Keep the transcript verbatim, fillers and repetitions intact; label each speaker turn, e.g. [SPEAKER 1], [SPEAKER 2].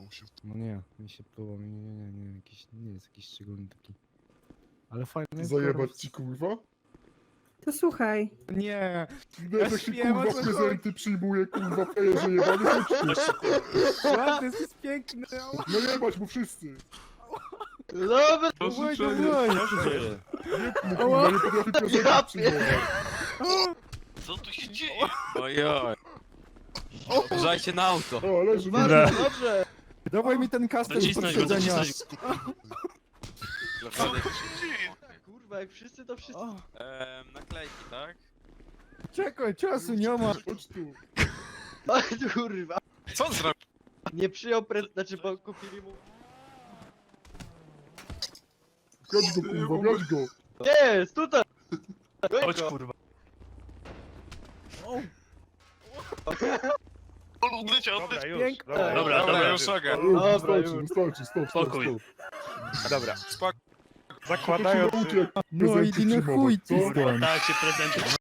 [SPEAKER 1] No nie, mi się podoba, nie, nie, nie, nie, jakiś, nie jest jakiś szczególny taki. Ale fajny jest.
[SPEAKER 2] Zajebać ci kurwa?
[SPEAKER 3] To słuchaj.
[SPEAKER 1] Nie!
[SPEAKER 2] No
[SPEAKER 1] Ja
[SPEAKER 2] jak się
[SPEAKER 1] wiem, o
[SPEAKER 2] kurwa
[SPEAKER 1] co
[SPEAKER 2] prezenty przyjmuje, kurwa, frajerze jebany, chodź tu.
[SPEAKER 1] Ładny, jest piękny!
[SPEAKER 2] No jebać mu wszyscy.
[SPEAKER 4] Dobra,
[SPEAKER 1] Dawaj, dawaj!
[SPEAKER 2] Nie, no kurwa, nie potrafi prezentów przyjmować.
[SPEAKER 5] Co tu się dzieje? Ojoj. Uważajcie na auto.
[SPEAKER 2] O, leży,
[SPEAKER 4] dobrze,
[SPEAKER 2] leży.
[SPEAKER 4] dobrze.
[SPEAKER 1] Dawaj mi ten kastel z
[SPEAKER 5] Nacisnąć go,
[SPEAKER 1] poprzedzenia!
[SPEAKER 5] nacisnąć.
[SPEAKER 4] Kurwa, jak wszyscy to wszyscy.
[SPEAKER 5] Ehm, naklejki, tak?
[SPEAKER 1] Czekaj, czasu nie ma!
[SPEAKER 2] Chodź tu.
[SPEAKER 4] Ach, kurwa.
[SPEAKER 5] Co on zrobił?
[SPEAKER 4] Nie przyjął prezent, znaczy bo kupili mu...
[SPEAKER 2] Chodź go, kurwa, brać go.
[SPEAKER 4] Jest, tutaj!
[SPEAKER 5] Chodź kurwa. On odleciał.
[SPEAKER 6] Dobra, już.
[SPEAKER 1] Piękne.
[SPEAKER 6] Dobra,
[SPEAKER 5] Dobra, dobra, już
[SPEAKER 2] O,
[SPEAKER 5] mogę.
[SPEAKER 2] już,
[SPEAKER 4] Dobra,
[SPEAKER 2] wystarczy,
[SPEAKER 4] już.
[SPEAKER 2] wystarczy, stop, stop,
[SPEAKER 5] Spokój.
[SPEAKER 2] stop.
[SPEAKER 6] Dobra.
[SPEAKER 5] Spoko.
[SPEAKER 6] Zakładając...
[SPEAKER 2] Nauczy, jak
[SPEAKER 1] No i
[SPEAKER 2] prezenty
[SPEAKER 1] na chuj,
[SPEAKER 2] przyjmować, co?
[SPEAKER 1] ty stąd.
[SPEAKER 5] Tak się prezenty